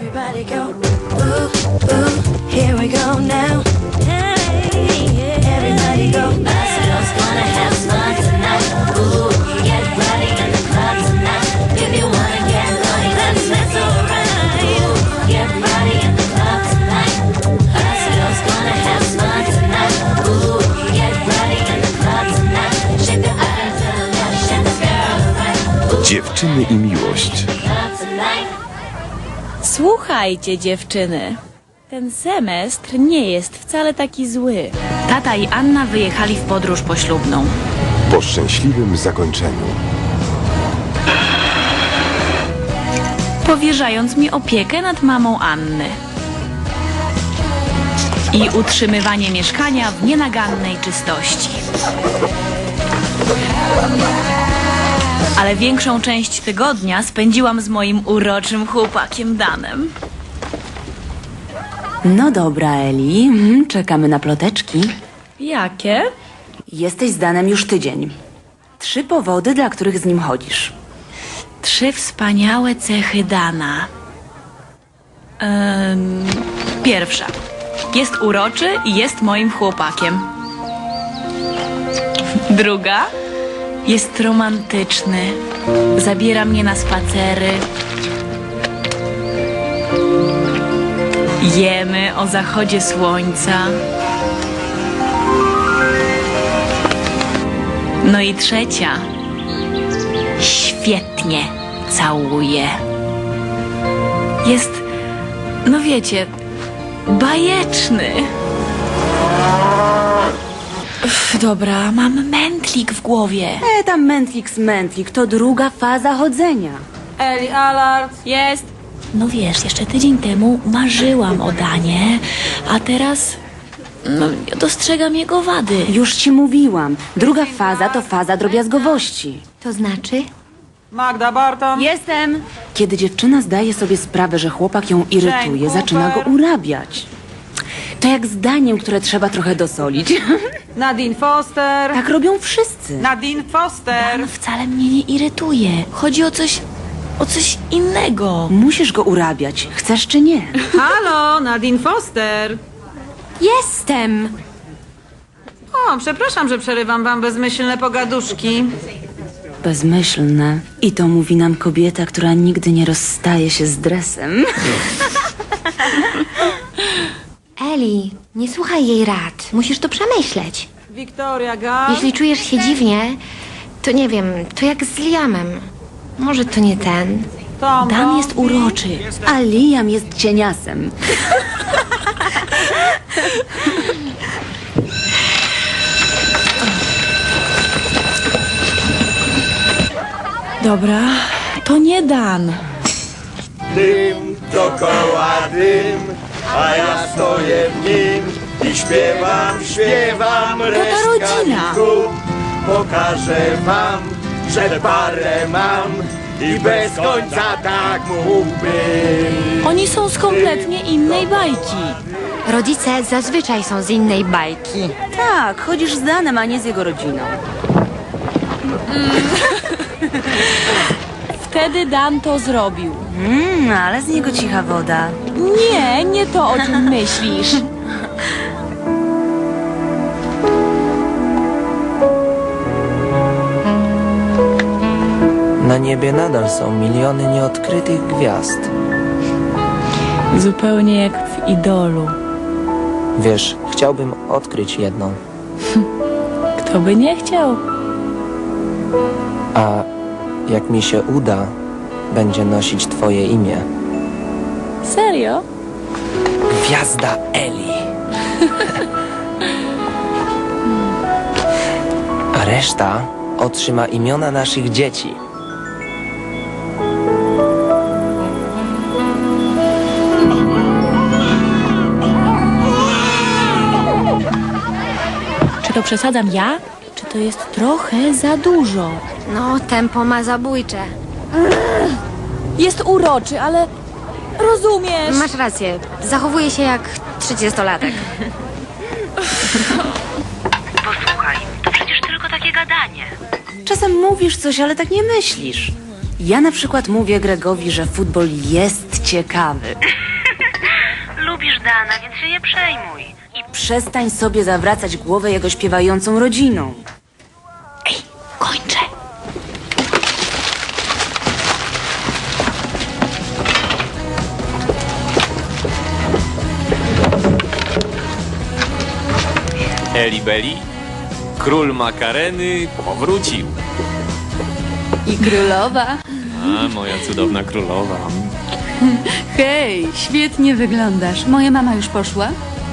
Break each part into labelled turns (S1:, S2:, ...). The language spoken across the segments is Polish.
S1: Everybody go, ooh, ooh, here we go now. Everybody go, us girls gonna have fun tonight. Ooh, get ready in the club tonight. If you wanna get naughty, then that's alright. Ooh, get ready in the club tonight. Us girls gonna have fun tonight. Ooh, get ready in the club tonight. Shake the eye to the left, shake the girl right. Ooh,
S2: Dziewczyny i miłość.
S1: club tonight.
S3: Słuchajcie, dziewczyny. Ten semestr nie jest wcale taki zły. Tata i Anna wyjechali w podróż poślubną.
S2: Po szczęśliwym zakończeniu.
S3: Powierzając mi opiekę nad mamą Anny. I utrzymywanie mieszkania w nienagannej czystości. Ale większą część tygodnia spędziłam z moim uroczym chłopakiem Danem.
S4: No dobra, Eli, czekamy na ploteczki.
S3: Jakie?
S4: Jesteś z Danem już tydzień. 3 powody, dla których z nim chodzisz.
S3: 3 wspaniałe cechy Dana. Pierwsza. Jest uroczy i jest moim chłopakiem. Druga. Jest romantyczny. Zabiera mnie na spacery. Jemy o zachodzie słońca. No i trzecia. Świetnie całuje. Jest, no wiecie, bajeczny. Dobra, mam mętlik w głowie.
S4: Tam mętlik, to druga faza chodzenia.
S5: Eli, alert!
S3: Jest. No wiesz, jeszcze tydzień temu marzyłam o Danie, a teraz dostrzegam jego wady.
S4: Już ci mówiłam, druga faza to faza drobiazgowości.
S6: To znaczy?
S5: Magda Barton!
S4: Jestem! Kiedy dziewczyna zdaje sobie sprawę, że chłopak ją irytuje,
S5: Jane
S4: zaczyna go
S5: Cooper.
S4: urabiać. To jak z daniem, które trzeba trochę dosolić.
S5: Nadine Foster!
S4: Tak robią wszyscy.
S5: Nadine Foster!
S3: Dan wcale mnie nie irytuje. Chodzi o coś innego.
S4: Musisz go urabiać, chcesz czy nie.
S5: Halo, Nadine Foster!
S6: Jestem!
S5: O, przepraszam, że przerywam wam bezmyślne pogaduszki.
S4: Bezmyślne. I to mówi nam kobieta, która nigdy nie rozstaje się z dresem.
S6: Eli, nie słuchaj jej rad. Musisz to przemyśleć.
S5: Victoria Gall.
S6: Jeśli czujesz się dziwnie, to nie wiem, to jak z Liamem. Może to nie ten.
S5: Tom
S3: Dan jest
S5: Brody.
S3: uroczy.
S4: A Liam jest cieniasem.
S3: Dobra, to nie Dan.
S7: Dym dookoła dym, a ja stoję w nim i śpiewam resztka
S3: rodzina.
S7: wieku. Pokażę wam, że parę mam i bez końca tak mógłbym.
S3: Oni są z kompletnie innej bajki.
S6: Rodzice zazwyczaj są z innej bajki.
S4: Tak, chodzisz z Danem, a nie z jego rodziną.
S3: Wtedy Dan to zrobił.
S4: Ale z niego cicha woda.
S3: Nie to, o czym myślisz.
S8: Na niebie nadal są miliony nieodkrytych gwiazd.
S3: Zupełnie jak w Idolu.
S8: Wiesz, chciałbym odkryć jedną.
S3: Kto by nie chciał?
S8: A jak mi się uda, będzie nosić twoje imię.
S3: Serio?
S8: Gwiazda Eli. A reszta otrzyma imiona naszych dzieci.
S3: Czy to przesadzam ja? Czy to jest trochę za dużo?
S6: No, tempo ma zabójcze.
S3: Jest uroczy, ale rozumiesz.
S6: Masz rację, zachowuje się jak 30-latek.
S9: Posłuchaj, to przecież tylko takie gadanie.
S4: Czasem mówisz coś, ale tak nie myślisz. Ja na przykład mówię Gregowi, że futbol jest ciekawy.
S9: Lubisz Dana, więc się nie przejmuj.
S4: I przestań sobie zawracać głowę jego śpiewającą rodziną.
S3: Kończę.
S10: Eli-Beli, król makareny powrócił.
S11: I królowa.
S10: A, moja cudowna królowa.
S11: Hej, świetnie wyglądasz. Moja mama już poszła?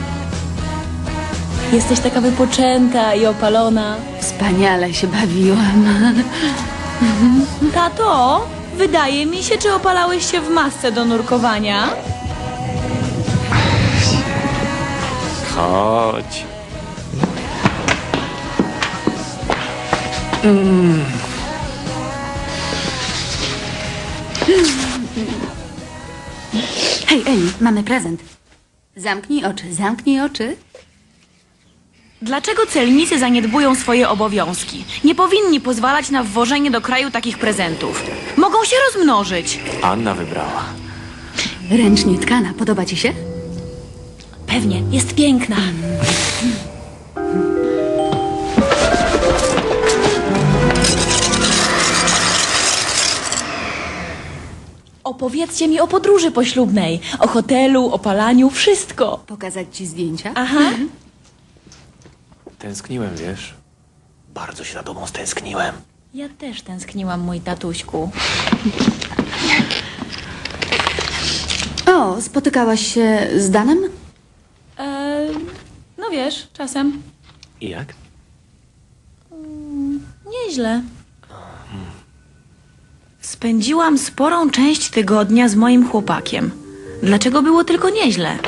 S3: Jesteś taka wypoczęta i opalona.
S11: Wspaniale się bawiłam.
S3: Tato, wydaje mi się, czy opalałeś się w masce do nurkowania?
S10: Chodź.
S11: Hej, Eli, mamy prezent. Zamknij oczy, zamknij oczy.
S3: Dlaczego celnicy zaniedbują swoje obowiązki? Nie powinni pozwalać na wwożenie do kraju takich prezentów. Mogą się rozmnożyć.
S10: Anna wybrała.
S11: Ręcznie tkana, podoba ci się?
S3: Pewnie, jest piękna. Opowiedzcie mi o podróży poślubnej, o hotelu, o palaniu, wszystko.
S11: Pokazać ci zdjęcia?
S3: Aha.
S10: Tęskniłem, wiesz? Bardzo się za tobą stęskniłem.
S3: Ja też tęskniłam, mój tatuśku.
S11: O, spotykałaś się z Danem?
S3: No wiesz, czasem.
S10: I jak?
S3: Nieźle. Spędziłam sporą część tygodnia z moim chłopakiem. Dlaczego było tylko nieźle?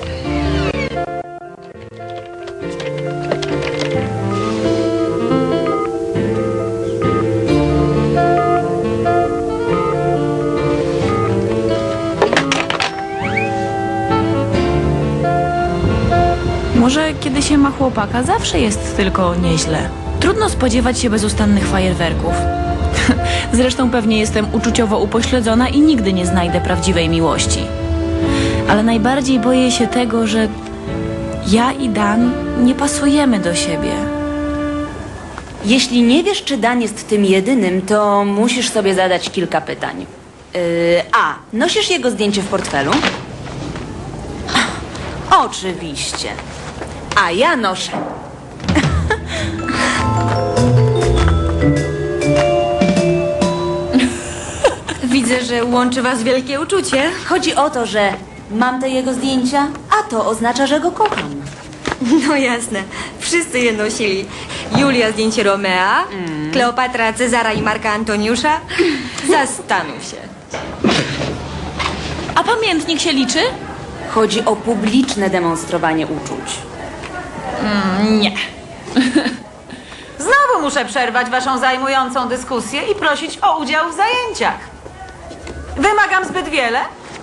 S3: Może kiedy się ma chłopaka, zawsze jest tylko nieźle. Trudno spodziewać się bezustannych fajerwerków. Zresztą pewnie jestem uczuciowo upośledzona i nigdy nie znajdę prawdziwej miłości. Ale najbardziej boję się tego, że ja i Dan nie pasujemy do siebie.
S4: Jeśli nie wiesz, czy Dan jest tym jedynym, to musisz sobie zadać kilka pytań. A. Nosisz jego zdjęcie w portfelu? Oczywiście. A ja noszę.
S6: Widzę, że łączy was wielkie uczucie.
S4: Chodzi o to, że mam te jego zdjęcia, a to oznacza, że go kocham.
S6: No jasne, wszyscy je nosili. Julia zdjęcie Romea, Kleopatra Cezara i Marka Antoniusza. Zastanów się.
S3: A pamiętnik się liczy?
S4: Chodzi o publiczne demonstrowanie uczuć.
S3: Nie.
S5: Znowu muszę przerwać waszą zajmującą dyskusję i prosić o udział w zajęciach. Wymagam zbyt wiele?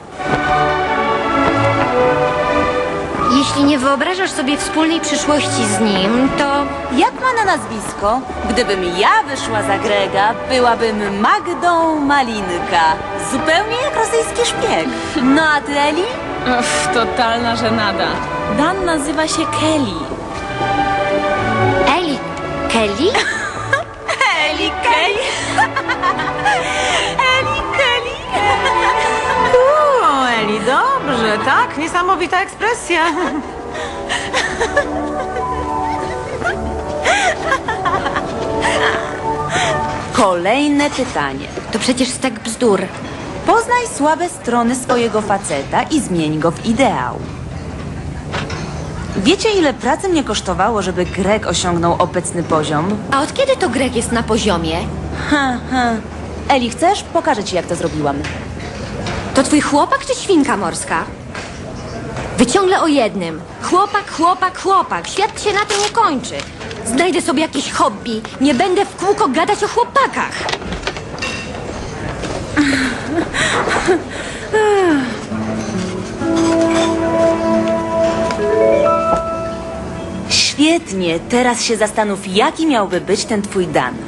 S6: Jeśli nie wyobrażasz sobie wspólnej przyszłości z nim, to
S4: Jak ma na nazwisko? Gdybym ja wyszła za Grega, byłabym Magdą Malinka. Zupełnie jak rosyjski szpieg. No a ty, Eli?
S3: Totalna żenada. Dan nazywa się Kelly.
S6: Eli, Kelly?
S3: Eli Kelly? Eli Kelly?
S5: Eli, dobrze, tak? Niesamowita ekspresja.
S4: Kolejne pytanie.
S6: To przecież stek bzdur.
S4: Poznaj słabe strony swojego faceta i zmień go w ideał. Wiecie, ile pracy mnie kosztowało, żeby Greg osiągnął obecny poziom?
S6: A od kiedy to Greg jest na poziomie?
S4: Eli, chcesz? Pokażę ci, jak to zrobiłam.
S6: To twój chłopak czy świnka morska? Wy ciągle o jednym. Chłopak, chłopak, chłopak. Świat się na tym nie kończy. Znajdę sobie jakieś hobby. Nie będę w kółko gadać o chłopakach.
S4: Świetnie, teraz się zastanów, jaki miałby być ten twój Dan.